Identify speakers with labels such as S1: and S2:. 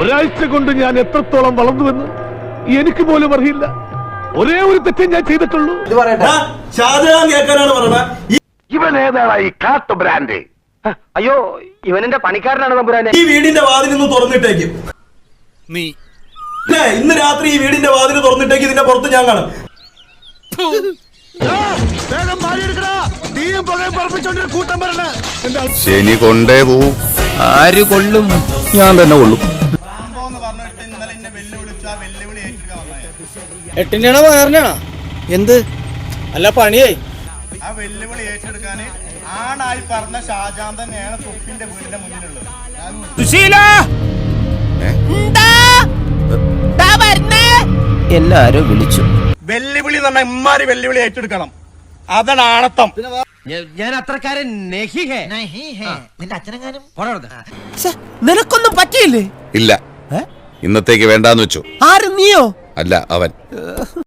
S1: ഒരാഴ്ച കൊണ്ട് ഞാൻ എത്രത്തോളം വളർന്നുവെന്ന് എനിക്ക് പോലും അറിയില്ല. ഒരേ ഒരു തെറ്റേ ഞാൻ ചെയ്തിട്ടുള്ളൂ.
S2: ഷാജഹാൻ കേൾക്കാനാണ് പറഞ്ഞത്.
S1: ഇവൻ ഏതാണ് ഈ കാട്ടു ബ്രാൻഡ്?
S3: അയ്യോ, ഇവനെന്റെ പണിക്കാരനാണ് തമ്പുരാനെ.
S2: ഈ വീടിന്റെ വാതിലൊന്ന് തുറന്നിട്ടേക്കും.
S4: നീ
S2: ഇന്ന് രാത്രി ഈ വീടിന്റെ വാതിൽ തുറന്നിട്ടേക്ക്. ഇതിന്റെ പുറത്ത് ഞാൻ കാണും.
S5: ശനി കൊണ്ടേ പോവും.
S4: ആര് കൊള്ളും? ഞാൻ തന്നെ കൊള്ളും.
S6: എട്ടിന്റെ പറഞ്ഞാ എന്ത് അല്ല പണിയായി.
S7: ആ വെല്ലുവിളി ഏറ്റെടുക്കാന് ആണായി പറഞ്ഞ ഷാജാൻ തന്നെയാണ് തൊപ്പിന്റെ വീടിന്റെ മുന്നിലുള്ളത്.
S6: എല്ലാരും വിളിച്ചു.
S7: വെല്ലുവിളി എന്ന് പറഞ്ഞാൽ ഇമ്മാരി വെല്ലുവിളി ഏറ്റെടുക്കണം. അതാണ് ആണത്തം.
S6: ഞാൻ അത്രക്കാരൻ നിന്റെ അച്ഛനെങ്ങാനും നിനക്കൊന്നും പറ്റിയില്ലേ?
S5: ഇല്ല, ഇന്നത്തേക്ക് വേണ്ടാന്ന് വെച്ചു.
S6: ആര്, നീയോ?
S5: അല്ല, അവൻ.